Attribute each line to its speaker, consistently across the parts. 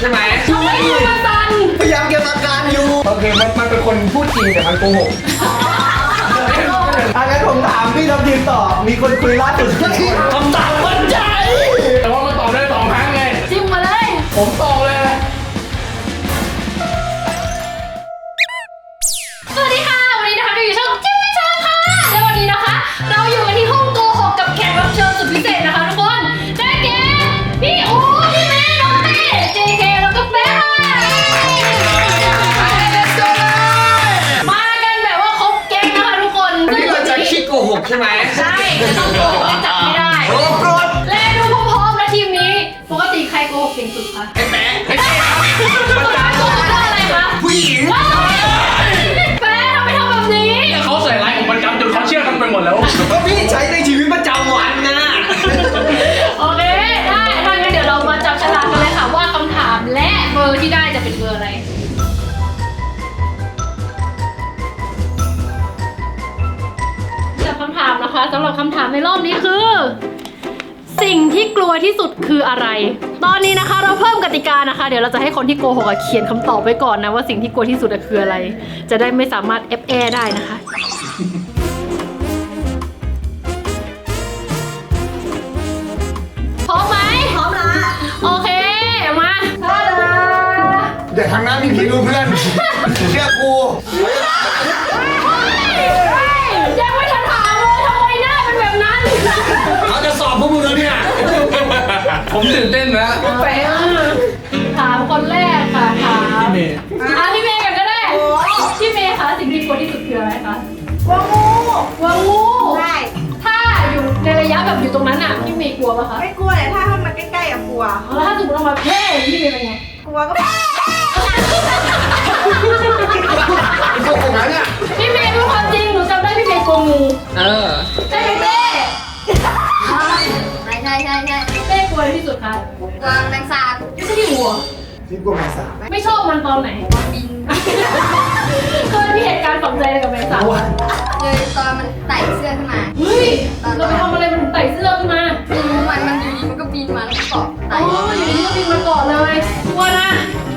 Speaker 1: ช่ไหม
Speaker 2: ทำไมมือมันสั่น
Speaker 1: พยายามเก็บอาการอยู่โอเคมันเป็นคนพูดจริงแต่มันโกหกงั้นผมถามพี่ทัพทีมตอบมีคนคุยล่าสุดคำตอบมั่นใจ
Speaker 3: แต่ว่ามันตอบได้2 ครั้งไง
Speaker 2: จิ้มมาเลย
Speaker 3: ผมตอบเลย
Speaker 2: สวัสดีค่ะวันนี้นะคะเราอยู่ช่องจิ้มไม่ชอบค่ะและวันนี้นะคะเราอยู่กันที่ห้องโกหกกับแขกรับเชิญสุดพิเศษนะคะทุกคนได้แก่พี่อู๋พี่เมย์น้องเต้เจเคแล้วก็แป๊ะมากันแบบว่าครบแก๊งนะคะทุกคน
Speaker 1: วันนี้เราจะคิดโกหกใช่ไหม
Speaker 2: ใช่จะต้องโกหกให้จับไม่ได้
Speaker 1: โอ้โกรธ
Speaker 2: และดูพร้อมๆนะทีมนี้ปกติใครโกหกเก่งสุดคะ
Speaker 1: ไอ้แป๊ะไอ้แป๊ะ
Speaker 2: ประจานโกหกอะไรคะ
Speaker 1: ผู้หญิง
Speaker 2: แป๊ะทำไมทำแบบนี้
Speaker 3: เขาใส่ร้ายผมประจำจนเขาเชื่อกันไปหมดแล้ว
Speaker 1: ก็พี่ใช้ในชีวิตประจำวันนะ
Speaker 2: โอเคได้ถ้างั้นเดี๋ยวเรามาจับฉลากกันเลยค่ะว่าคำถามและเบอร์ที่ได้จะเป็นเบอร์อะไรจับคำถามนะคะสำหรับคำถามในรอบนี้คือ สิ่งที่กลัวที่สุดคืออะไรตอนนี้นะคะเราเพิ่มกติกานะคะเดี๋ยวเราจะให้คนที่โกหกเขียนคำตอบไว้ก่อนนะว่าสิ่งที่กลัวที่สุดคืออะไรจะได้ไม่สามารถแอบแอได้นะคะพร้อมไหมพร้อมละโอเคมาท่าดา
Speaker 1: เดี๋ยวทางหน้ามีพี่ดูเพื่อนเชื่อกู
Speaker 2: ยังไม่ทันถามเลยทำไมหน้าเป็นแบบนั้น
Speaker 1: เขาจะสอบพวกมึงแล้วเนี่ย
Speaker 3: ผมตื่นเต้นนะ
Speaker 2: ไปถามคนแรกค่ะถามพี่เมย์พี่เมย์กันก็ได้พี่เมย์คะสิ่งที่กลัวที่สุดคืออะไรคะ
Speaker 4: กลัวงู
Speaker 2: กลัวงู
Speaker 4: ใช่
Speaker 2: ถ้าอยู่ในระยะแบบอยู่ตรงนั้นอ่ะพี่เมย์กลัวป่ะคะ
Speaker 4: ไม่กลัวแต่ถ้ามันใกล้ๆอะกลัว
Speaker 2: แล้วถ้าสมมติเรามาเพ่พี่เมย์เป็นไง
Speaker 4: กลัวก็
Speaker 1: โกหกนะเนี่ย
Speaker 2: พี่เมย์เป็นความจริงหนูจำได้พี่เมย์กลัวงูใช่ไหมเป้
Speaker 4: ใช่
Speaker 2: เป้กลัวที่สุดคะ
Speaker 4: กลัวแมงสาบ
Speaker 2: ไม่ใช่ที่หัว
Speaker 1: พี่กลัวแมงสาบ
Speaker 2: ไม่ชอบมันตอนไหน
Speaker 4: บิน
Speaker 2: เคยมีเหตุการณ์ฝังใจอะไรกับแมงสาบ
Speaker 4: เลยตอนมันไต่เสื้อขึ้นมา
Speaker 2: เฮ้ยเราไปทำอะไรมันถึงไต่เสื้อขึ้นมา
Speaker 4: ไม่รู้มันอยู่ดีมันก็บินมาแล้วก็เกาะไต่
Speaker 2: อยู่ดีก็บินมาเกาะเลยกลัวนะ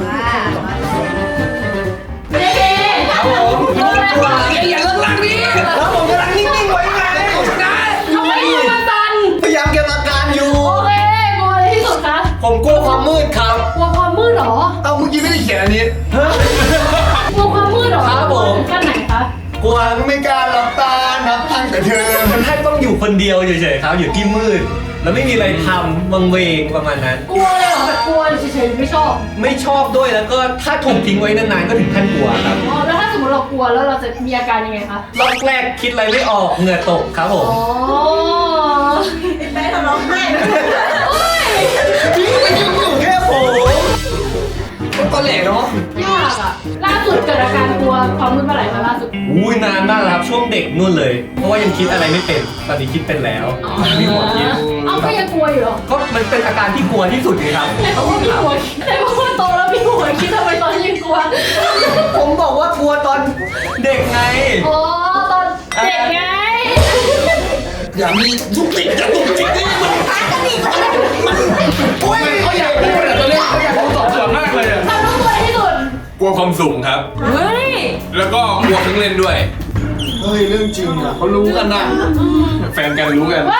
Speaker 2: เจ๊
Speaker 1: ครับผมอย่าเลิกลักดิแล้วผมกำลังนิ่งๆไว้ไงนะ
Speaker 2: ทำไมมือมันสั่น
Speaker 1: พยายามเก็บอาการอยู่
Speaker 2: โอเคกลัวอะไรที่สุดคะ
Speaker 1: ผมกลัวความมืดครับ
Speaker 2: กลัวความมืดหรอ
Speaker 1: เอาเมื่อกี้ไม่ได้เขียนอันนี้
Speaker 2: กลัวความมืดหรอ
Speaker 1: ครับผม
Speaker 2: ขั้นไหนคะ
Speaker 1: กลัวไม่กล้าหลับตานับตั้งแต่เธอ
Speaker 5: มันแค่ต้องอยู่คนเดียวเฉยๆครับอยู่ที่มืดแล้วไม่มีอะไรทำวังเวงประมาณนั้น
Speaker 2: กลัวเลยเหรอแบบกลัวเฉยๆไม่ชอบ
Speaker 5: ไม่ชอบด้วยแล้วก็ถ้าถูกทิ้งไว้นานๆก็ถึงขั้นกลัวครับ
Speaker 2: อ๋อแล้วถ้าสมมติเรากลัวแล้วเราจะมีอาการยังไงคะ
Speaker 5: รอบแรกคิดอะไรไม่ออกเหงื่อตกครับผม
Speaker 2: อ๋อ
Speaker 4: ไอ้ทำร้องไห้
Speaker 1: พี่ไม่ยุ่งอยู่แค่ผมตอนแหลกเนาะ
Speaker 2: ยากอ่ะล่าสุดเกิดอาการกลัวความมืดเมื่อไหร่คะล่าสุด
Speaker 5: อุ้ยนานมากครับช่วงเด็กนู่นเลยเพราะว่ายังคิดอะไรไม่เป็นตอนนี้คิดเป็นแล้วมีหมดคิด
Speaker 2: เอาก็ยังกลัวอยู่หรอ
Speaker 5: ก็มันเป็นอาการที่กลัวที่สุดเลยครับ
Speaker 2: แต่เพราะว่ามีหัวแต่เพราะว่าโตแล้วมีหัวคิดทำไมตอนนี้ยังกลัว
Speaker 5: ผมบอกว่ากลัวตอนเด็กไง
Speaker 2: อ๋อตอนเด็กไง
Speaker 1: อย่ามีทุกสิ่งจะตุกจิกนี่มันโอ้ย
Speaker 3: เขาอยากพูดตัวเล็กเขาอยากพูดตอบส่วนมากเลย
Speaker 2: ทำต้องกลัวที่สุด
Speaker 3: กลัวความสูงครับ
Speaker 2: เฮ้ย
Speaker 3: แล้วก็กลัวเครื่องเล่นด้วย
Speaker 1: เฮ้ยเรื่องจริงอ่ะเขารู้กันนะ
Speaker 3: แฟนกันรู้กัน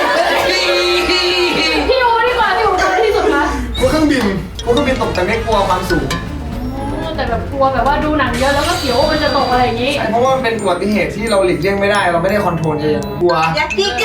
Speaker 2: พี่อูดีกว่าพี่อูกลัวที่สุดคะ
Speaker 1: กลัวเครื่องบินตกแต่ไม่กลัวความสูง
Speaker 2: แต่แบบกลัวแบบว่าดูหนังเยอะแล้วก็เสียวมันจะตกอะไรอย่างนี้
Speaker 1: เพราะว่ามันเป็นอุบัติเหตุที่เราหลีกเลี่ยงไม่ได้เราไม่ได้คอนโทรลเองกลัว
Speaker 4: อยากกิ๊ก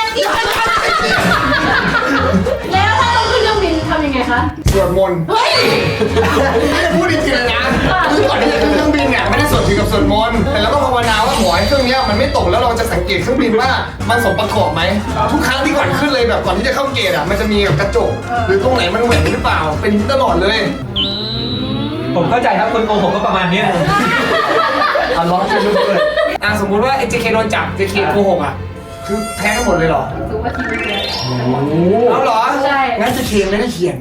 Speaker 2: แล้วถ้าต้องขึ้นเครื่องบินทำยังไงคะ
Speaker 1: สวดมนต์
Speaker 2: เฮ้ย
Speaker 1: พูดจริงๆเลยนะคือก่อนที่จะขึ้นเครื่องบินเนี่ยไม่ได้สวดถึงกับสวดมนต์แต่เราก็ภาวนาว่าขอให้เครื่องนี้มันไม่ตกแล้วเราจะสังเกตเครื่องบินว่ามันสมประกอบไหมทุกครั้งที่ก่อนขึ้นเลยแบบก่อนที่จะเข้าเกตอ่ะมันจะมีกระจกหรือตรงไหนมันแหว่งหรือเปล่าเป็นตลอดเลย
Speaker 5: ผมเข้าใจครับคนโกหกก็ประมาณนี้เอาล้อจะลุกเลย
Speaker 1: สมมุติว่าไอ้ JK โดนจับ JK โกหกอ่ะคือแพ้ทั้งหมดเลยเหรอ
Speaker 2: ถือว่าทีมเดียว
Speaker 1: เอาเหรอ
Speaker 2: ใช่
Speaker 1: งั้น JK ไม่ได้เขียน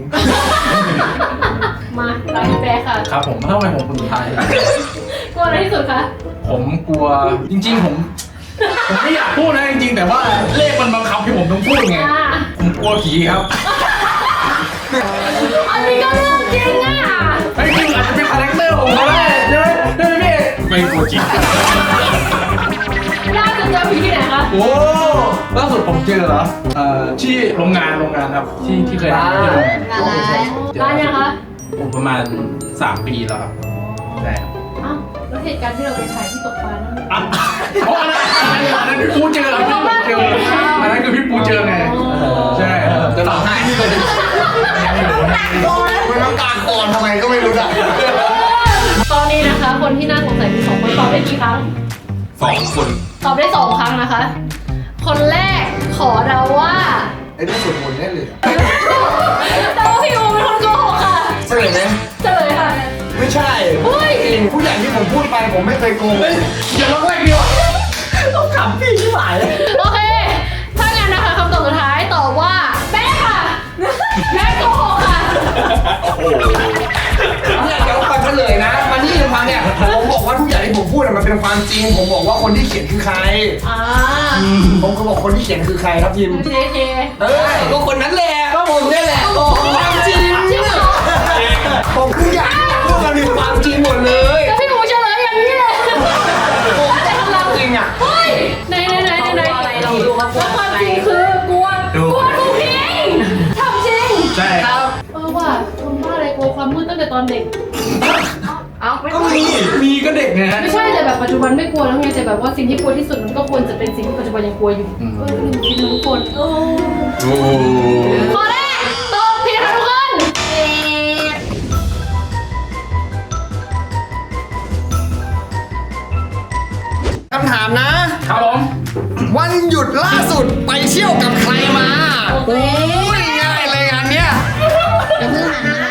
Speaker 2: มาตามพี่แป๊ะค่ะ
Speaker 3: ครับผมทำไมผมคนสุดท้าย
Speaker 2: กลัวอะไรที่สุดคะ
Speaker 3: ผมกลัวจริงๆผมไม่อยากพูดนะจริงๆแต่ว่าเลขมันบังคับให้ผมต้องพูดไงผมกลัวผีครับ
Speaker 2: อันนี้ก็เรื่องจริงอ่ะ
Speaker 3: ตัวจริง
Speaker 2: ล่าสุดเจอผีที่ไหนคะ
Speaker 3: โอ้ล่าสุดผมเจอเหรอที่โรงงานครับที่เคยทำที่โรงงาน
Speaker 4: งานอะไร
Speaker 2: ร้านยังคะ
Speaker 3: ผมประมาณ3 ปีแล้วครับใช่ครับ
Speaker 2: อ้าวแล้วเหตุการณ์ที่เราไปถ่ายที่ตกปลานั่น
Speaker 3: อ่ะเพราะอันนั้นพี่ปูเจอครับอันนั้นคือพี่ปูเจอไงใช่จะหลับให้ที่เลย
Speaker 1: มันน้ำตาคลอนทำไมก็ไม่รู้อ่ะ
Speaker 2: ตอนนี้นะคะ คนที่น่าสงสัยมี2 คนตอบได้กี่ครั้ง
Speaker 3: 2 คน
Speaker 2: ตอบได้2 ครั้งนะคะ คนแรกขอเดาว่า
Speaker 1: ไอ้นี่สวดมนต์แน่เลย
Speaker 2: เดาว่าพี่อูเป็นคนโกหกค่ะ
Speaker 1: ใช่ไหม
Speaker 2: เฉลยค่ะ
Speaker 1: ไม่ใช่
Speaker 2: เฮ้ย
Speaker 1: จริงผู้ใหญ่ที่ผมพูดไปผมไม่เคยโกง
Speaker 3: อย่าร้องแรกเดียว
Speaker 5: ต้องขำพี่ที่หมายเลย
Speaker 2: โอเค ถ้างั้นนะคะคำตอบสุดท้ายตอบว่าแม่ค่ะแม่โกหกค่ะ
Speaker 1: เนี่ยเดี๋ยวฟังเฉลยนะมันนี่ฟังเนี่ยผมบอกว่าทุกอย่างที่ผมพูดมันเป็นความจริง ผมบอกว่าคนที่เขียนคือใคร
Speaker 2: อ่า
Speaker 1: ผมก็บอกคนที่เขียนคือใครครับพิม
Speaker 2: เคเค
Speaker 1: ก็คนนั้นแหละก็ผมนี่แหละโอ้ความจริง
Speaker 2: จริงเหรอ
Speaker 1: ผมทุกอย่างพูดมันเป็นความจริงหมดเลย
Speaker 2: แล้วพี่อูเฉลยอย่างนี้เลย
Speaker 1: ผมจะทำจริงอ่ะ
Speaker 2: เฮ้ยไหนเราดูว่าความจริงคือกลัวถูกจริงทำจริง
Speaker 3: ใช่ครับ
Speaker 2: ว่าคนบ้าอะไรกลัวความมืดตั้งแต่ตอนเด็ก
Speaker 3: ก็มีก็เด็กไงฮะ
Speaker 2: ไม่ใช่แต่แบบปัจจุบันไม่กลัวแล้วไงแต่แบบว่าสิ่งที่กลัวที่สุดมันก็ควรจะเป็นสิ่งที่ปัจจุบันยังกลัวอยู่ลืมคิดนะทุกคน
Speaker 3: โอ้
Speaker 2: ข้อแรกตอบผิดค่ะทุกคน
Speaker 1: คำถามนะ
Speaker 3: ครับผม
Speaker 1: วันหยุดล่าสุดไปเที่ยวกับใครมาโอ้ยง่ายเลยงานเนี้ย
Speaker 4: อย่าเพิ่งหันนะ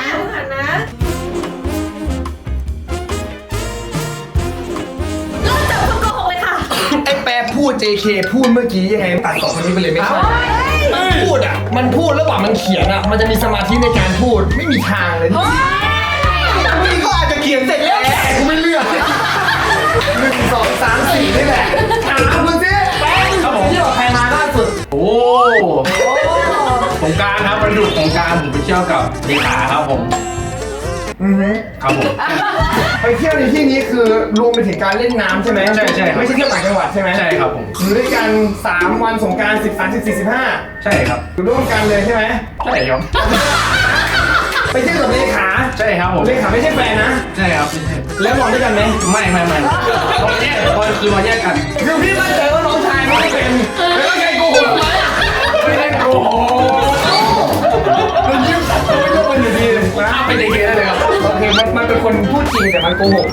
Speaker 4: เริ่มจากคนโกหกเลยค่ะ
Speaker 1: ไอ้แปรพูด JK พูดเมื่อกี้ยังไงตัดต่อคนนี้ไปเลยไม่ใช่พูดอ่ะมันพูดระหว่างมันเขียนอ่ะมันจะมีสมาธิในการพูดไม่มีทางเลยนี่ก็อาจจะเขียนเสร็จแล้วแต่กูไม่เลือก1 2 3 4นี่แหละถามมึงสิแป้งเที่ยวกับใครมาล่าสุด
Speaker 3: โอ้สงกรารครับวันหยุดสงกรารผมไปเที่ยวกับเลขาครับผม ครับผม
Speaker 1: ไปเที่ยวในที่นี้คือรวมไปถึงการเล่นน้ำใช่ไหม
Speaker 3: ใช่ครับ
Speaker 1: ไม่ใช่เที่ยวต่างจังหวัดใช่ไหม
Speaker 3: ใช่ครับผม
Speaker 1: อยู่ด้วยกัน3 วันสงกรานต์13 14 15
Speaker 3: ใช่ครับ
Speaker 1: อยู่ร่วมกันเลยใช่ไหม
Speaker 3: ใช่ครับ
Speaker 1: ไปเที่ยวกับเลขา
Speaker 3: ใช่ครับผม
Speaker 1: เลขาไม่ใช่แฟนนะ
Speaker 3: ใช่ครับ
Speaker 1: แล้วนอนด้วยกันไหม
Speaker 3: ไม่เราแยกเราแยกกัน
Speaker 1: คือพี่มั่นใจว่าน้องชายไม่ได้เป็นแล้วก็ใครโกหกไหม
Speaker 3: ไม่ได้โกหก
Speaker 1: มันยิ้มไม่ต้องมันอยู่ดีเลยนะ
Speaker 3: เป็นเด็กได้เลยครับ
Speaker 1: โอเคมันเป็นคนพูดจริงแต่มันโกหก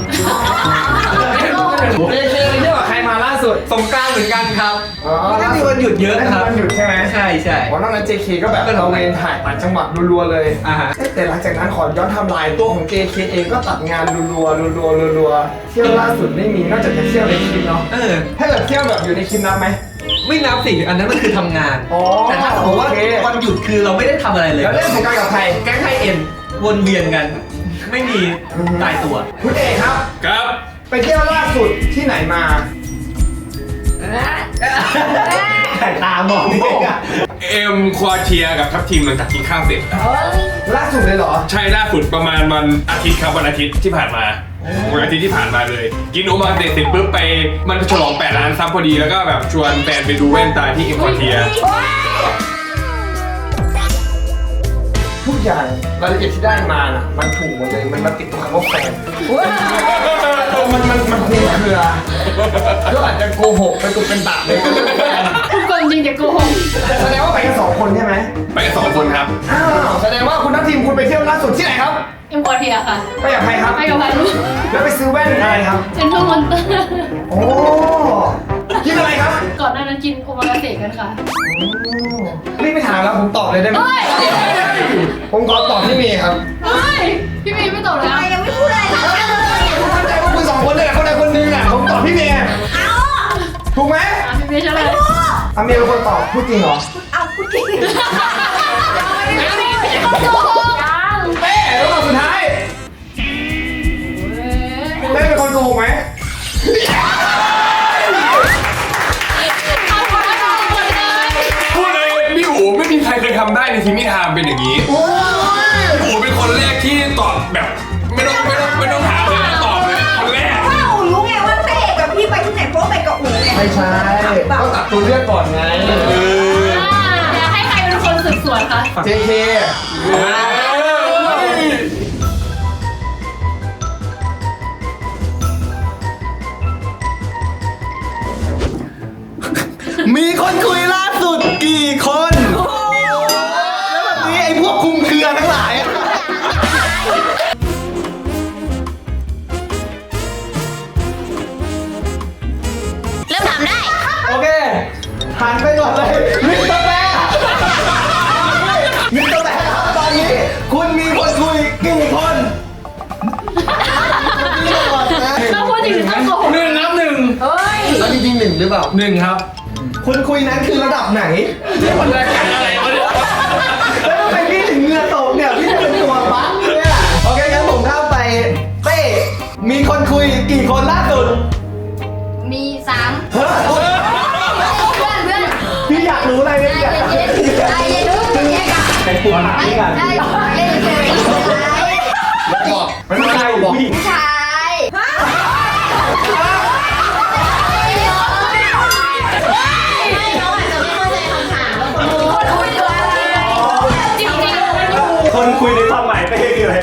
Speaker 1: เลเคไปเที่ยวกับใครมาล่าสุด
Speaker 5: สงกรารเหมือนกันครับ
Speaker 1: อ๋อ
Speaker 5: มันก็มีวันหยุดเยอะครับ
Speaker 1: วันหยุดใช่ไหม
Speaker 5: ใช่ใช่
Speaker 1: วันนั้น JK ก็แบบเราเวนถ่ายต่างจังหวัดรัวๆเลย
Speaker 5: อ่าฮะ
Speaker 1: แต่หลังจากนั้นขอย้อนไทำลายตัวของ JK เองก็ตัดงานรัวๆเที่ยวล่าสุดไม่มีนอกจากจะเที่ยวในคลิปเนาะ ถ้าเกิดเที่ยวแบบอยู่ในคลิปนับไหม
Speaker 5: ไม่นับสิอันนั้นมันคือทำงาน
Speaker 1: อ๋อ
Speaker 5: แต่ถ้าสมมติว่า
Speaker 1: โอเค
Speaker 5: วันหยุดคือเราไม่ได้ทำอะไรเลย
Speaker 1: แล้วเล่นสงกรานต์กับใคร
Speaker 5: แก๊งไทยเอ็นวนเวียนกัน ไม่มีตายตัว
Speaker 1: คุณเอกครับ
Speaker 3: ครับ
Speaker 1: ไปเที่ยวล่าสุดที่ไหนมา
Speaker 5: แต่ตามองนี่อะ
Speaker 6: เอ็มควอเทียกับทัพทีมหลังจากกินข้าวเสร็จ
Speaker 1: ล่าสุดเลยเหรอ
Speaker 6: ใช่ล่าสุดประมาณวันอาทิตย์ครับวันอาทิตย์ที่ผ่านมาวันอาทิตย์ที่ผ่านมาเลย กินโอมาเสร็จปุ๊บไปมันฉลอง8 ล้านซับพอดีแล้วก็แบบชวนแฟนไปดูแว่นตาที่เอ็มควอเทีย
Speaker 1: ทุกอย่างรายละเอียดที่ได้มาน่ะมันถูกหมดเลยมันติดตรงคำว่าแฟนมันคลุมเครือก็อาจจะโกหกไปตุกเป็นตะเลย
Speaker 2: คุณโกงจริงแต่โกหก
Speaker 1: แสดงว่าไปกัน2 คนใช่ไหม
Speaker 6: ไปกัน2 คนครับ
Speaker 1: อ้าวแสดงว่าคุณทัพทีมคุณไปเที่ยวล่าสุดที่ไหนครับ
Speaker 2: เอ็มพอเทียค่ะ
Speaker 1: ไปกับใครครับ
Speaker 2: ไปกับพานุ
Speaker 1: แล้วไปซื้อแว่นอะไรครับ
Speaker 2: เซ็นทรัลมอนเตอร์
Speaker 1: โอ้กินอะไรครับ
Speaker 2: ก่อนหน้านั้นกินโอมากาเสะกันค่ะ
Speaker 1: นี่ไม่ถามแล้วผมตอบเลยได้ไหม
Speaker 2: เฮ้ย
Speaker 1: ผมขอตอบพี่เมย์ครับ
Speaker 2: เฮ้ยพี่เมย์ไม่ตอบเลย
Speaker 4: ทำไมยังไม่พูดอะไรทั้งนั้นเลย
Speaker 1: ผมมั่นใจว่าคุณ2 คนเลยคนใดคนหนึ่งอ่ะผมตอบพี่เมย์
Speaker 4: เอา
Speaker 1: ถูกไหม
Speaker 2: พี่เมย์เฉลย
Speaker 1: อาเมย์เป็นคนตอบพูดจริงเหรอ
Speaker 4: เอาพูดจริง
Speaker 2: โกหกยัง
Speaker 1: เต้แล้วตอบสุดท้ายเต้เป็นคนโกหกไหม
Speaker 6: พูดเลยพี่อู๋ไม่มีใครเคยทำได้ในทีมนิทามเป็นอย่างนี้
Speaker 1: โอ้ย
Speaker 6: พี่อู๋เป็นคนแรกที่ตอบแบบไม่ต้องถามเลยตอบเลยคนแรก
Speaker 4: ว้าวรู้ไงว่าเต้
Speaker 1: ไม่ใช่ต้องตัดตัวเลือกก่อนไง
Speaker 2: อยากให้ใครเป็นคนสืบสวนคะ
Speaker 1: JK มีคนคุยล่าสุดกี่คน แล้วแบบนี้ไอ้พวกคุมเครือทั้งหลายอะ
Speaker 4: เริ่มถามได้
Speaker 1: โอเคหันไปก่อนเลยมิสเตอร์แบร์มิสเตอร์แบร์ครับตอนนี้คุณมีคนคุยกี่คนนี่ก่อนนะ
Speaker 2: เราพูดจริงๆต้องโกหก
Speaker 3: หนึ่งครับหนึ่ง
Speaker 1: แล้วจริงๆหนึ่งหรือเปล่า
Speaker 3: หนึ่งครับ
Speaker 1: คุณคุยนั้นคือระดับไหน
Speaker 3: มันรายการอะไรวะเนี่ย
Speaker 1: แล้วทำไมพี่ถึงเหงื่อตกเนี่ยพี่เป็นตัวบั๊กเนี่ยโอเคงั้นผมข้ามไปเต้มีคนคุยกี่คนล่าสุด
Speaker 4: มี3
Speaker 1: เฮ้ย
Speaker 4: เพื่อน
Speaker 1: พี่อยากรู้อะไรเนี่ย
Speaker 4: ใจเย็นค่ะ
Speaker 5: เป็นปุ่มหา
Speaker 4: ไม่
Speaker 5: ที่กัน
Speaker 4: ใช่เล่นเฉย
Speaker 1: บอกไม่เป็นไรบอก
Speaker 4: ผู้ชายไม่น้องอาจจะไม่เข้าใจคำถามว่าคนคุยตัวอะไร
Speaker 2: จริงๆมันอยู่
Speaker 5: คนคุยในความหมายเป้คืออะไร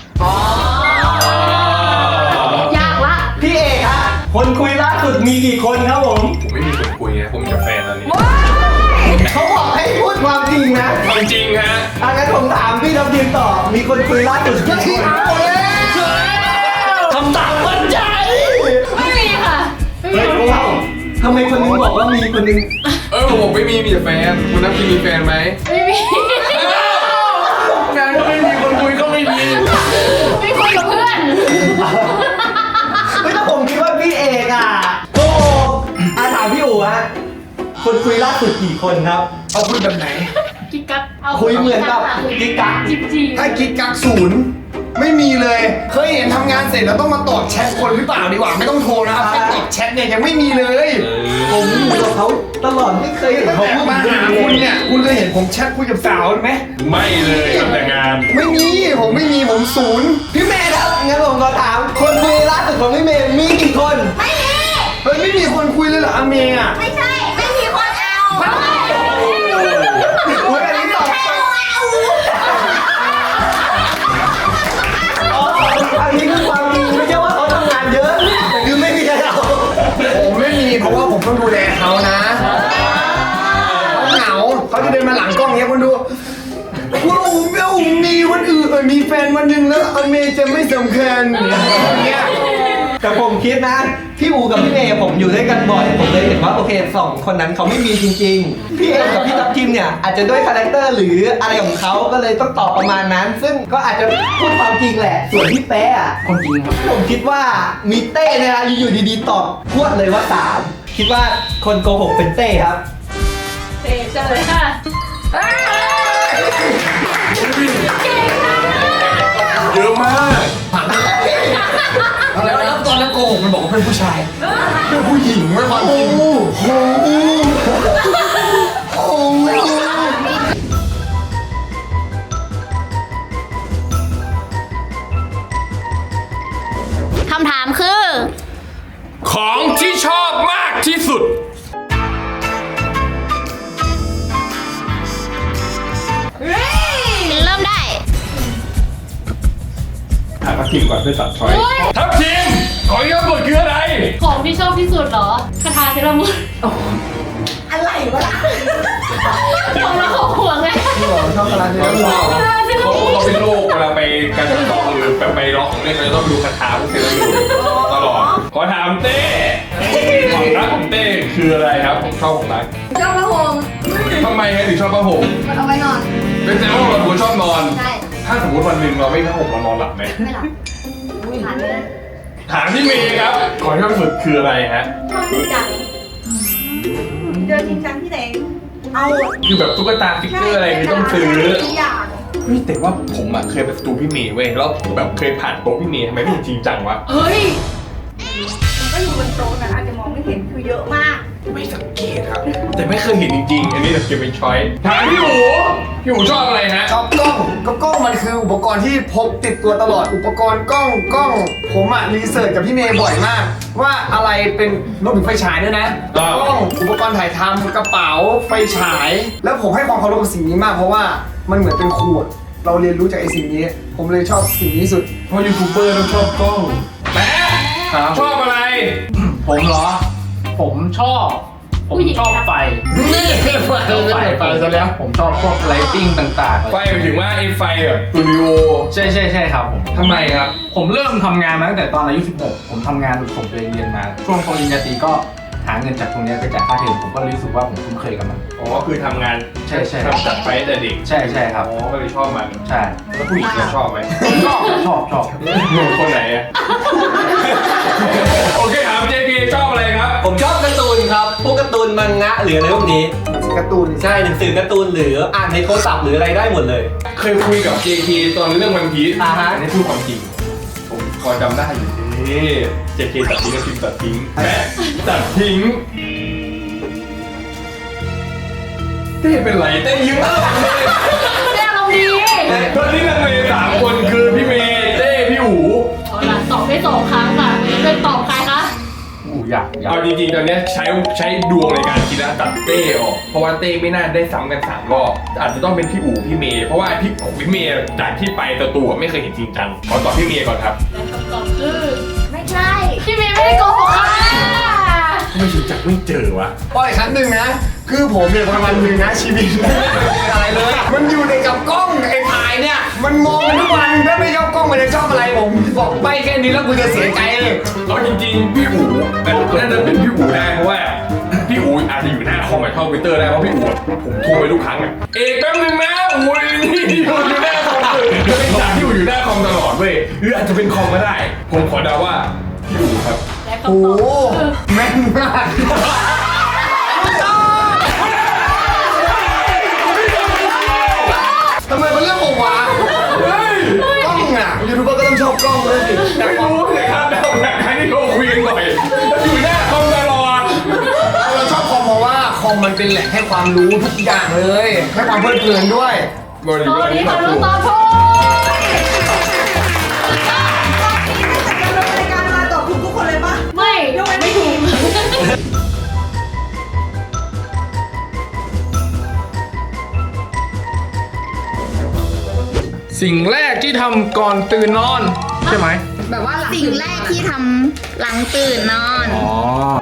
Speaker 2: ยากละ
Speaker 5: พี่เอกฮะคนคุยล่าสุดมีกี่คนครับผม
Speaker 6: ผมไม่มีคนคุยนะผมมีแต่แฟนตอนนี้
Speaker 1: เขาบอกให้พูดความจริงนะ
Speaker 6: ความจริงฮะ
Speaker 1: งั้นผมถามพี่ทัพทีมต่อมีคนคุยล่าสุดกี่คน
Speaker 5: คำตอบมั่นใจ
Speaker 2: ไม่มีค่ะ ไม่มี
Speaker 1: เฮ้ย
Speaker 2: คน
Speaker 1: ว้าวทำไมคนนึงบอกว่ามีคนนึง
Speaker 6: ผมไม่มีแต่แฟนคุณนับทีมีแฟนไหม
Speaker 2: ไม่มี
Speaker 3: งานก็ไม่มีคนคุยก็ไม่มี
Speaker 2: ไม่คุยกับเพื่อน
Speaker 1: เฮ้ยแต่ผมคิดว่าพี่เอกอ่ะโอ้ถามพี่อู๋ฮะคนคุยล่าสุดกี่คนครับ เอาคุยแบบไหน
Speaker 2: กิ๊กกักเอา
Speaker 1: คุยเหมือนกับกิ๊กกัก
Speaker 2: จริงๆ
Speaker 1: ถ้ากิ๊กกักศูนย์ไม่มีเลย เคยเห็นทำงานเสร็จแล้วต้องมาตอบแชทคนหรือเปล่าดีกว่าไม่ต้องโทรนะครับแค่ตอบแชทเนี่ยยังไม่มีเลย ผมอยู่กับเขาตลอดไม่เคยเห็นเขาพูดมาหาคุณเนี่ยคุณเคยเห็นผมแชทคุยกับสาวไหม
Speaker 6: ไม่เลยทำแต่งาน
Speaker 1: ไม่มีผมไม่มีผมศูนย์พี่เมย์ครับงั้นผมก็ถามคนคุยล่าสุดของพี่เมย์มีกี่คน
Speaker 4: ไม่มี
Speaker 1: เฮ้ยไม่มีคนคุยเลยเหรออาเมย์อ่ะ
Speaker 4: ไม่ใช่ ไม่มีคนเอา
Speaker 1: โอ้ยอันนี้ตอบอันนี้คือความจริงไม่ใช่ว่าเขาทำงานเยอะแต่คือไม่มีใครเอาผมไม่มีเพราะว่าผมต้องดูแลเขานะเขาเหงาเขาจะเดินมาหลังกล้องเงี้ยคุณดูว่าผมมีวันอื่นมีแฟนวันหนึ่งแล้วอาเมย์จะไม่สำคัญอย่างเงี้ยแต่ผมคิดนะพี่อูกับพี่เมย์ผมอยู่ด้วยกันบ่อยผมเลยเห็นว่าโอเคสองคนนั้นเขาไม่มีจริงๆพี่เอกับพี่ทัพทิมเนี่ยอาจจะด้วยคาแรคเตอร์หรืออะไรของเขาก็เลยต้องตอบประมาณนั้น ซึ่งก็อาจจะพูดความจริงแหละส่วนพี่แป๊ะอะ
Speaker 3: ความจริงครับ
Speaker 1: ผมคิดว่ามีเต้เนยนะอยู่ดีๆตอบพรวดเลยว่า3คิดว่าคนโกหกเป็นเต้ครับ
Speaker 2: เจ๊เจอเลยค่ะ
Speaker 6: เยอะมาก
Speaker 1: แล้วตอนนั้นโกหกมันบอกว่าเป็นผู้ชายเป็นผู้หญิงไม่ความจริงโอ้โหโอ้โห
Speaker 4: คำถามคือ
Speaker 6: ของที่ชอบมากที่สุด
Speaker 4: เริ่มได้
Speaker 3: ถามทีมก่อนเพื่อตัดช้อย
Speaker 6: ทัพทีมของที่ชอบสุดคืออะไร
Speaker 2: ของที่ชอบที่สุดเหรอคาถาเซรามุน
Speaker 4: อะไรวะ
Speaker 2: ของเราของห่วงไง
Speaker 1: ชอบอะไรเนี่ย
Speaker 6: เขาเป็นโรคเวลาไปการจัดต่อหรือไปล็อกของเล่นเขาจะต้องดูคาถาพวกเซรามิกตลอด ขอถามเต้ความรักของเต้คืออะไรครับผมชอบของรัก
Speaker 4: ชอบพระหง
Speaker 6: ทำไมถึงชอบผ้าห่ม
Speaker 4: มันเอาไว้นอน
Speaker 6: เป็นแต่ว่าเราเป็นคนชอบนอน
Speaker 4: ใช่
Speaker 6: ถ้าสมมติวันหนึ่งเราไม่ผ้าห่มเรานอนหลับไหม
Speaker 4: ไม่หลับผ่านไปเลย
Speaker 6: ถามที่เมย์ครับของที่ชอบสุดคืออะไรฮะ
Speaker 4: ชอบจริงจังเจอจริงจังที่ไหนเอา
Speaker 6: คือแบบตุ๊กตาฟิกเกอร์อะไรที่ต้องซื้อ
Speaker 4: ทุกอย่าง
Speaker 6: เฮ้ยแต่ว่าผมอ่ะเคยไปสตูพี่เมย์เว้ยแล้วแบบเคยผ่านโต๊ะพี่เมย์ทำไมไม่จริงจังวะ
Speaker 2: เฮ้ย
Speaker 4: ก็อยู่บนโต๊ะนะอาจจะมองไม่เห็นคือเยอะมาก
Speaker 6: ไม่สังเกตครับ แต่ไม่เคยเห็นจริงๆ อันนี้เก็บเป็นช้อยถามพี่หูชอบอะไรฮะ
Speaker 1: ชอบกล้องก็กล้องมันคืออุปกรณ์ที่พกติดตัวตลอดอุปกรณ์กล้องผมอะรีเสิร์ชกับพี่เมย์บ่อยมาก ว่าอะไรเป็นรวมถึงไฟฉายด้วยนะกล้องอุปกรณ์ถ่ายทำกระเป๋าไฟฉาย แล้วผมให้ความเคารพกับสิ่งนี้มากเพราะว่ามันเหมือนเป็นขวดเราเรียนรู้จากไอ้สิ่งนี้ ผมเลยชอบสิ่งนี้สุด
Speaker 6: เพราะยูทูบเบอร์ต้องชอบกล้องแป๊ะชอบอะไร
Speaker 3: ผมเหรอ ผมชอบไฟ
Speaker 1: นี่ไฟซะแล้ว
Speaker 3: ผมชอบพวกไลติ้งต่างๆ
Speaker 6: ไฟหมายถึงว่าไอ้ไฟแบบสตูดิโอ
Speaker 3: ใช่ครับผม
Speaker 6: ทำไมครับ
Speaker 3: ผมเริ่มทำงานมาตั้งแต่ตอนอายุ 16 ผมทำงานส่งตัวเองเรียนมา ช่วงปริญญาตรีก็หาเงินจากตรงเนี้ยไปจ่ายค่าเทอมผมก็รู้สึกว่าผมคุ้นเคยกับมัน
Speaker 6: อ๋อ คือทำงาน
Speaker 3: ใช่
Speaker 6: ทำจัดไฟแต่เด็ก
Speaker 3: ใช่ครับ
Speaker 6: อ๋อ ก็เลยชอบมัน
Speaker 3: ใช่
Speaker 6: แล้วผู้หญิงจะชอบไหม
Speaker 3: ชอบ
Speaker 6: หนุ่มคนไหนอะโอเคถาม JP ชอบอะไรครับ
Speaker 5: ผมชอบการ์ตูนครับ พวกการ์ตูนมังงะหรืออะไรพวกนี้
Speaker 1: การ์ตูน
Speaker 5: ใช่หนังสือการ์ตูนหรืออ่านในโทรศัพท์หรืออะไรได้หมดเลย
Speaker 6: เคยคุยกับ JP ตอนเรื่องวันพีช
Speaker 5: อ่าฮะ
Speaker 6: อันนี้พูดความจริง ผมพอจำได้อยู่นี่ JP ตัดทิ้งกับพิมตัดทิ้งแม่ตัดทิ้งเต้เป็นไรเต้ยิ้มอะไรเลย
Speaker 2: แม่เราดี
Speaker 6: ตอนนี้นักเมย์3 คนคือพี่เมย์เต้พี่อู๋
Speaker 2: เอาล่ะตอบได้2 ครั้งค่ะเป็นตอบใครคะ
Speaker 3: อยาก
Speaker 6: เอาจริงๆตอนเนี้ยใช้ดวงในการคิดแล้วตัดเต้ออกเพราะว่าเต้ไม่น่าได้ซ้ำกัน3 รอบอาจจะต้องเป็นพี่อู๋พี่เมย์เพราะว่าพี่เมย์จากที่ไปตัวไม่เคยเห็นจริงจังขอตอบพี่เมย์ก่อนครับ
Speaker 2: และคำตอบคือ
Speaker 4: ไม่ใช่
Speaker 2: พี่เมย์ไม่ได้โกหกค่ะ
Speaker 6: ไม่รู้จักไม่เจอวะ
Speaker 1: อ้อยครั้งหนึ่งนะ คือผมเนี่ยวันหนึ่งนะชีวิตไม่เป็นอะไรเลย มันอยู่ในกับกล้องไอ้ถ่ายเนี่ย มันมองทุกวันถ้าไม่ชอบกล้องมันจะชอบอะไรผมบอกไปแค่นี้แล้วกูจะเสียใจเลย
Speaker 6: เอาจริงๆพี่อู๋น่าจะเป็นพี่อู๋ได้เพราะว่าพี่อู๋อาจจะอยู่หน้าคอมกับเข้าทวิตเตอร์ได้เพราะพี่อู๋ผมโทรไปทุกครั้งอะเอกแป๊บนึงนะอู๋นี่อยู่หน้าคอมเลยจะเป็นจากที่อู๋อยู่หน้าคอมตลอดเว้ยหรืออาจจะเป็นคอมก็ได้ ผมขอเดาว่าพี่อู๋ครับ
Speaker 2: และ
Speaker 1: โอ้
Speaker 2: คำต
Speaker 1: โห
Speaker 2: อบคือ
Speaker 1: แม่นมากทำไมมันเรื่องของวะ
Speaker 6: เฮ้ย
Speaker 1: กล้องอ่ะยูทูบเบอร์ก็ต้องชอบกล้องด้วยสิ
Speaker 6: แต่ไม่รู้เลยครับแต่ผมอยากให้ที่เขาคุยกันหน่อยอยู่หน้าคอมตลอด
Speaker 1: เราชอบคอมเพราะว่าคอมมันเป็นแหล่งให้ความรู้ทุกอย่างเลยให้ความเพลิดเพลินด้วย
Speaker 6: บริ
Speaker 2: ต
Speaker 6: ว
Speaker 2: อน
Speaker 6: ณ
Speaker 2: นี้
Speaker 6: นี้
Speaker 2: ค่ะ
Speaker 6: ถู
Speaker 2: น้อง
Speaker 6: ก
Speaker 2: ตอบถูก
Speaker 4: การดำเนินรายการมาตอบถูกทุกคนเลยปะ
Speaker 2: ไม่ไม่ถูก
Speaker 3: สิ่งแรกที่ทำก่อนตื่นนอนใช่ไหม
Speaker 4: แบบว่าสิ่งแรกที่ทำหลังตื่นนอน
Speaker 3: อ๋อ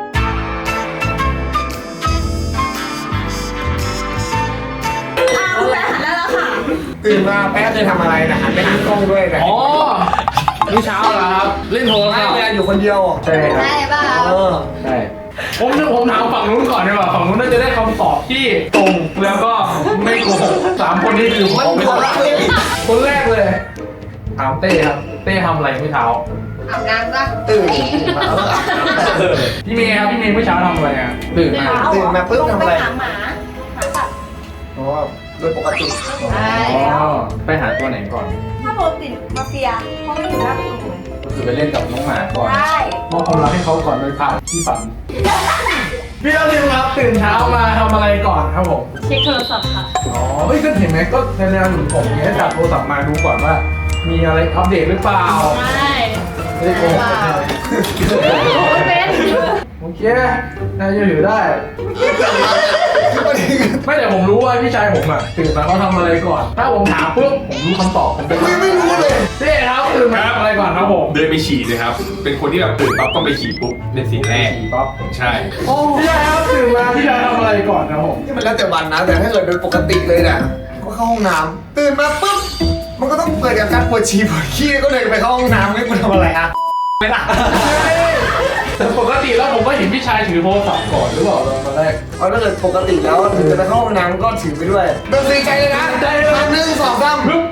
Speaker 4: คุณแม่หันได้แล้วค่ะ
Speaker 1: ตื่นมาแป๊บจะทำอะไรนะหันไปหากล้องด้วยนะ
Speaker 3: อ๋อนี่เช้าแล้วครับ เล่นโทรศั
Speaker 1: ไม่
Speaker 3: พท์
Speaker 1: เวลาอยู่คนเดียว
Speaker 3: ใช่ครับ
Speaker 4: ได้ป่ะ
Speaker 1: เออ
Speaker 3: ใช่ผมถามฝั่งนู้นก่อนดีกว่าฝั่งนู้นน่าจะได้คำตอบที่ตรงแล้วก็ไม่โกหก3 คนนี้คือผมเอาไปหมดละคนแรกเลยถามเต้ครับเต้ทำอะไรเมื่อเช้า
Speaker 4: อาบน้ำป่ะ
Speaker 1: ตื่นมาเออ
Speaker 3: พี่เมย์ครับพี่เมย์เมื่อเช้าทำอะไรอ่ะตื่นมา
Speaker 1: ตื่นมาปุ๊บทำอะไร
Speaker 4: ลงปหาหมาสัตว์
Speaker 1: อ๋อโดยปกติ
Speaker 4: ใช่
Speaker 3: อ๋อไปหาตัวไหนก่อน
Speaker 4: ถ้าโปรตีนมาเฟียเขาไม่อยู่หน้าประตูเลย
Speaker 3: ก็คือไปเล่นกับน้องหมาก่อน
Speaker 4: ใช่
Speaker 3: มอบความรักให้เขาก่อนโดยผ่านที่ฝันพี่เราเรียนครับตื่นเช้ามาทำอะไรก่อนครับผม
Speaker 2: เช็คโทรศัพท์ค่ะ
Speaker 3: อ๋อเฮ้ยก็เห็นไหมก็ในแนวหนุนผมเนี้ยจับโทรศัพท์มาดูก่อนว่า มีอะไรอัปเดตหรือเปล่า
Speaker 2: ใช่
Speaker 3: ไม่ได้โกหกใช่ไหม
Speaker 2: ไม่เป็น
Speaker 3: โอเคน่าจะถือได้
Speaker 1: คือประเด็น
Speaker 3: ไม่แต่ผมรู้ว่าพี่ชายผมอ่ะตื่นมาเขาทำอะไรก่อน ถ้าผมถามปุ๊บผมรู้คำตอบผมเป็น
Speaker 1: ไม่รู้เลย
Speaker 3: เต้ครับตื่นมาทำอะไรก่อนครับผม
Speaker 6: เดินไปฉี่เลยครับ เป็นคนที่แบบตื่นปั๊บต้องไปฉี่ปุ๊บเป็นสิ่งแรก
Speaker 3: ขี่ป๊อป
Speaker 6: ใช่
Speaker 3: พี่ชายครับตื่นมาพี่ชายทำอะไรก่อนครับผม
Speaker 1: ที่มันแล้วแต่วันนะ แต่ถ้าเกิดโดยปกติเลยน่ะก็เข้าห้องน้ำตื่นมาปุ๊บมันก็ต้องเปิดกับการปวดฉี่ปวดขี้ก็เลยไปเข้าห้องน้ำไม่กูทำอะไรอ่ะไม่ล่ะ
Speaker 3: แต่ปกติแล้วผมก็เห็นพี่ชายถือโทรศัพท์ก่อนหรือเปล่าตอนแรก
Speaker 1: เอาถ้าเกิดปกติแล้วถึงจะไปเข้าห้องน้ำก็ถือไปด้วยเดินตีใจเลยนะ
Speaker 3: ใจเลย
Speaker 1: 1 2 3ปึ๊บ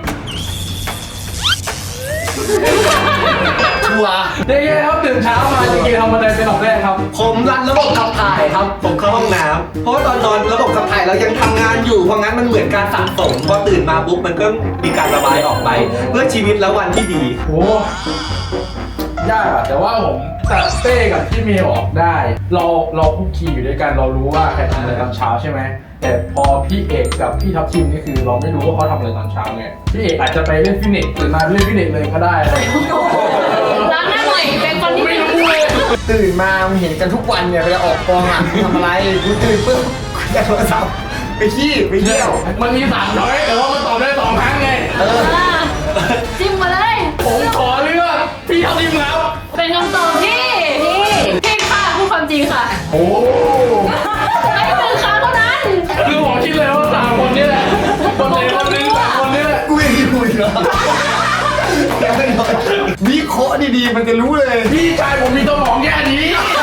Speaker 1: ชัวร์
Speaker 3: เย้ๆครับตื่นเช้ามาจริงๆทำอะไรเป็นอันดับแรกครับ
Speaker 5: ผมรันระบบขับถ่ายครับ ผมเข้าห้องน้ำเพราะว่าตอนนอนระบบขับถ่ายเรายังทำงานอยู่ เพราะงั้นมันเหมือนการสะสม พอตื่นมาปุ๊บมันก็มีการระบายออกไป เพื่อชีวิตและวันที่ดี
Speaker 3: โอ้ยากอะแต่ว่าผมตัดเต้กับพี่เมย์ออกได้ เราคุกคีอยู่ด้วยกันเรารู้ว่าใครทำอะไรตอนเช้าใช่ไหมแต่พอพี่เอกกับพี่ทัพทิมนี่คือเราไม่รู้ว่าเขาทำอะไรตอนเช้าไงพี่เอกอาจจะไปเล่นฟิตเนสหรือมาเล่นฟิตเนสเลยก็ได้อะไรอย่างเงี้ย
Speaker 2: ล้างหน้าหน่อยเป็นคนที่
Speaker 3: ไม่รู้เลย
Speaker 1: ตื่นมาเห็นกันทุกวันเนี่ยเวลาออกกองอ่ะทำอะไรกูตื่นปุ๊บกูจะโทรศัพท์ไปขี้ไปเที่ยว
Speaker 3: มันมี3ช้อยแต่ว่ามันตอบได้2ครั้งไง
Speaker 2: จิ้มมาเลย
Speaker 3: ผมขอเลือกพี่ทัพทิมครับ
Speaker 2: เป็นคำตอบที่ผิดค่ะพูดความจริงค่ะ
Speaker 3: โอ้
Speaker 2: ให้1 ครั้งเท่านั้น
Speaker 3: คือผมคิดเลยว่า3คนนี่แหละคนไหนคนหนึง3คนนี่แหละ
Speaker 1: กูยังอยู่อีกเหรอยังไม่นอนวิเคราะห์ดีๆมันจะรู้เลย
Speaker 3: พี่ชายผมมีสมองแค่นี้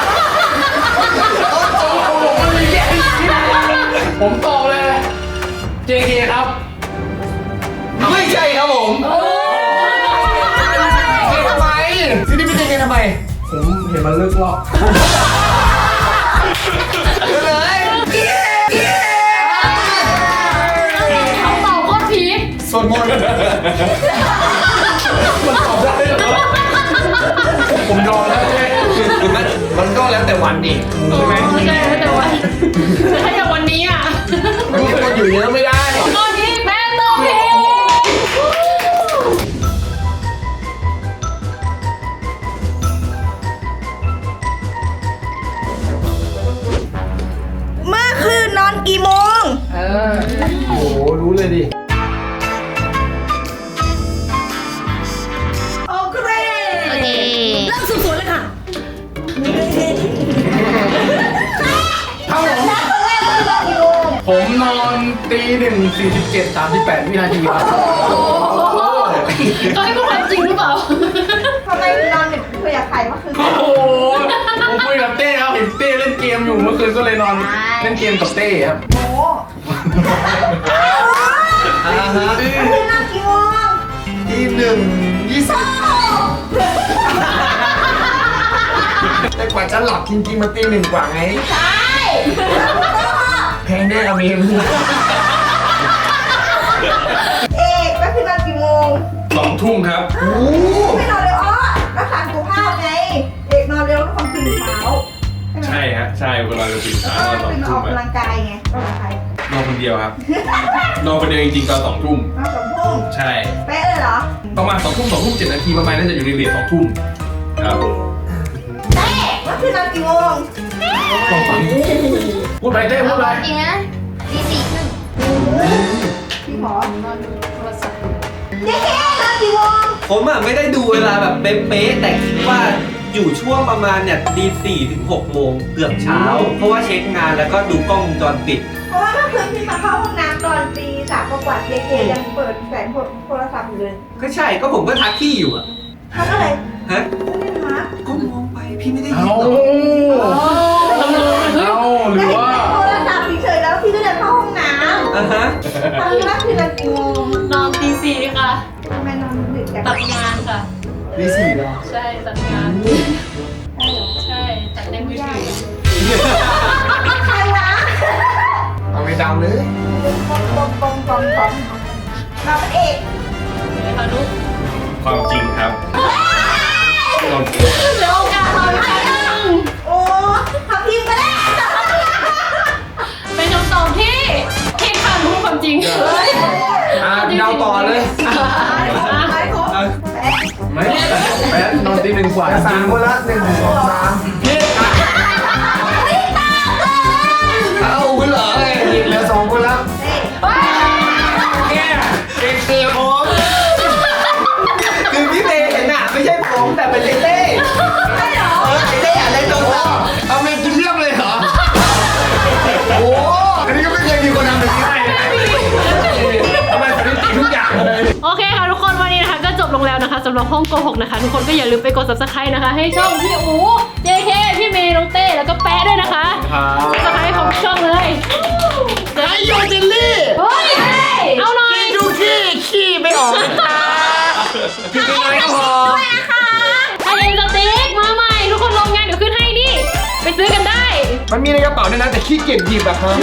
Speaker 3: สมองผมมันมีแค่นี้ผมตอบเลย JK ครับ
Speaker 1: ไม่ใช่ครับผมเกทำไมซีนี่เป็นเกทำไม
Speaker 3: ผมเห็นมันเลิกรอบ
Speaker 1: เลย
Speaker 2: คำตอบโคตรพีค
Speaker 1: สวดมนต์
Speaker 3: มันตอบได้เหรอผมยอมแล้วเจ๊
Speaker 1: มันก็แล้วแต่วันนี่ใช่ไหม
Speaker 2: ไม่ใช่แต่วันถ้าอย่างวันนี้อ่ะ
Speaker 1: มันมีคนอยู่เยอะไม่ได้
Speaker 2: ตอนนี้แม่ตอบผิด
Speaker 4: เมื่อคืนนอนกี่โมง
Speaker 3: โอ้โหรู้เลยดิ
Speaker 4: โอเคเริ่มสืบสวนเลยค่ะ
Speaker 3: ครับผม
Speaker 4: แล้วตอนแรกเมื่อคืนนอนกี่โมง
Speaker 3: ผมนอน1:47:38 วินาทีครับ
Speaker 2: เขาให้พูดความจริงหรือเปล่า
Speaker 4: ทำไมนอนดึกคุยกับใครเมื่อคืน
Speaker 3: โอ้โหผมคุยกับเต้ครับเห็นเต้เล่นเกมอยู่เมื่อคืนก็เลยนอนเล่นเกมกับเต้ครับ
Speaker 4: โอ้เมื่อคืนนอนกี่โมง
Speaker 1: ที่1:20แต่กว่าจะหลับจริงๆมาตี 1กว่าไง
Speaker 4: ใช่
Speaker 1: แพงแน่อะเมม
Speaker 4: เอกเมื่อคืนนอนกี่โมง
Speaker 6: 2 ทุ่มครับ
Speaker 4: ไม่นอนเร็วอ้อรักษาสุขภาพไง เอกนอนเร็วแล้วความตื่นเช้า
Speaker 6: ใช่ฮะใช่เวลาเราตื่น
Speaker 4: แล้
Speaker 6: เช้าว
Speaker 4: ก็
Speaker 6: ตอน
Speaker 4: ตื่น
Speaker 6: 2
Speaker 4: อ
Speaker 6: ทุ่
Speaker 4: อ
Speaker 6: ม
Speaker 4: กกำลังกายไงก็กับใคร
Speaker 6: นอนคนเดียวครับ นอนคนเดียวจริงๆตอน2 ทุ่ม
Speaker 4: นอน2 ทุ่ม
Speaker 6: ใช่
Speaker 4: เป๊ะเลยเหรอ
Speaker 6: ประมาณ2 ทุ่ม2 ทุ่ม 7 นาทีประมาณน่าจะอยู่ในเรท2 ทุ่มครับ
Speaker 4: เต้เมื่อคืนนอนกี่โมง
Speaker 3: พูดไปเต้พูดไป
Speaker 4: จริงนะตีสี่ครึ่งพี่หมอนอนดูโทรศัพท์เจ๊นอนกี่โมง
Speaker 5: ผมอ่ะไม่ได้ดูเวลาแบบเป๊ะๆแต่คิดว่าอยู่ช่วงประมาณเนี่ยตี 4 ถึง 6 โมงเกือบเช้า เพราะว่าเช็คงานแล้วก็ดูกล้องวงจรปิด
Speaker 4: เพราะว่าเมื่อคืนพี่มาเข้าห้องน้ำตอนตี 3 กว่าเจ๊ยังเปิดแสงโทรศัพท์อยู่เลย
Speaker 5: ก็ใช่ก็ผมก็ทักพี่อยู่อะ
Speaker 4: ทำอะไร
Speaker 5: ฮะ
Speaker 4: ไม่ได้ทัก
Speaker 5: ก็มองไปพี่ไม่ได้ยิ
Speaker 3: เอา
Speaker 5: นหรอก
Speaker 3: เอาหรือว่า
Speaker 4: โทรศัพท์เฉยๆแล้วพี่ก็เดินเข้าห้องน้ำ
Speaker 5: อ่ะฮะ
Speaker 4: ตอนนี้ว่าคือนอนกี่โมง
Speaker 2: นอนตี 4ค่ะ
Speaker 4: ทำไมนอนดึกจัง
Speaker 2: ตัดงานค่ะ
Speaker 1: ตี4เหรอ
Speaker 2: ใช่ตัดงาน ใช่ตัดในมือถือ
Speaker 4: ใครวะ
Speaker 1: เอาไปดำเลย
Speaker 4: ปองเราเป็นเอก
Speaker 2: พานุ
Speaker 6: ความจริงครับนอน
Speaker 2: เหลือโอกาสเราอีกครั้งหนึ่ง
Speaker 4: โอ้ทำพิมพ์ก็ได้
Speaker 2: เป็นคำตอบที่ผิดค่ะพูดความจริง
Speaker 1: เดาต่อเลย
Speaker 4: ไปครบ
Speaker 3: ไม่แป๊ดนอนตี 1 กว่า
Speaker 1: สามคนละ1 2 3เอาคุณเหรอไงเหลือ2คนแล้วเนี่ยเด็กเสียผม
Speaker 5: คือพี่เต้เห็นอะไม่ใช่ผมแต่เป็นเต้เต้อยากเล่นโทรศัพท์
Speaker 1: เอาเมนกินเรียบเลยเหรอ โอ้อันนี้ก็ไม่เคยมีคนทำแบบนี้ได้นะทำไมสถิติทุกอย่างเลย
Speaker 2: โอเคค่ะทุกคนวันนี้นะคะก็จบลงแล้วนะคะสำหรับห้องโกหกนะคะ ทุกคนก็อย่าลืมไปกด subscribe นะคะ ให้ช่องพี่อู JK พี่เมย์น้องเต้แล้วก็แป๊ะด้วยนะคะ
Speaker 3: ครับ
Speaker 2: subscribe ของช่องเลย
Speaker 1: ไอโยเจลลี่
Speaker 2: เฮ้ยเอาหน่อย
Speaker 1: ดูขี้ไม่ออกเลยจ้ากินไปน้อยก็พอ
Speaker 2: ไอเอ็นสติ๊กมาใหม่ทุกคนลงงานเดี๋ยวขึ้นให้นี่ ไปซื้อกันได้
Speaker 1: มันมีในกระเป๋าด้วยนะแต่ขี้เกียจหยิบอะครับ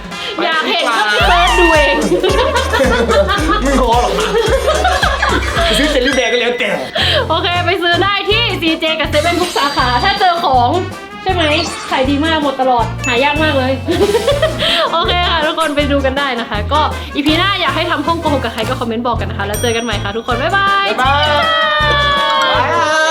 Speaker 2: อยากเห็นก็เซิร์ชดูเอง
Speaker 1: ไม่พอหรอกนะจะซื้อเจลลี่แบร์ก็แล้วแต่
Speaker 2: โอเคไปซื้อได้ที่ CJ กับเซเว่นทุกสาขาถ้าเจอของใช่ไหมขายดีมากหมดตลอดหายากมากเลย โอเคค่ะทุกคนไปดูกันได้นะคะ ก็อีพีหน้าอยากให้ทำห้องโกหกกับใครก็คอมเมนต์บอกกันนะคะแล้วเจอกันใหม่ค่ะทุกคนบ๊ายบาย
Speaker 1: บ๊ายบาย